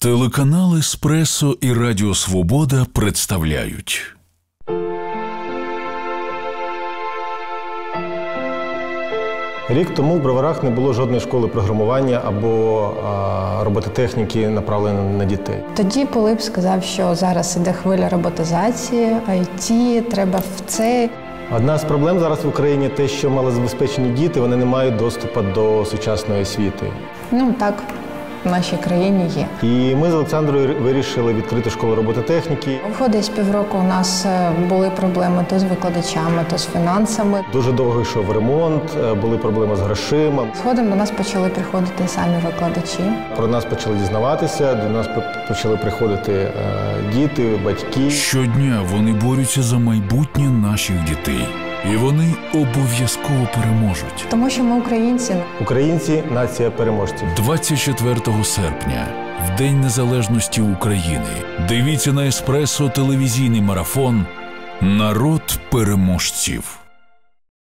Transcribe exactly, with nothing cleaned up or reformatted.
Телеканал «Еспресо» і Радіо Свобода представляють. Рік тому в Броварах не було жодної школи програмування або а, робототехніки, направленої на дітей. Тоді Пилип сказав, що зараз іде хвиля роботизації, ай ті, треба в це. Одна з проблем зараз в Україні те, що малозабезпечені діти, вони не мають доступу до сучасної освіти. Ну так, в нашій країні є. І ми з Олександрою вирішили відкрити школу робототехніки. В десь півроку у нас були проблеми то з викладачами, то з фінансами. Дуже довго йшов ремонт, були проблеми з грошима. Згодом до нас почали приходити самі викладачі. Про нас почали дізнаватися, до нас почали приходити діти, батьки. Щодня вони борються за майбутнє наших дітей. І вони обов'язково переможуть. Тому що ми українці. Українці – нація переможців. двадцять четвертого серпня, в День Незалежності України, дивіться на «Еспресо» телевізійний марафон «Народ переможців».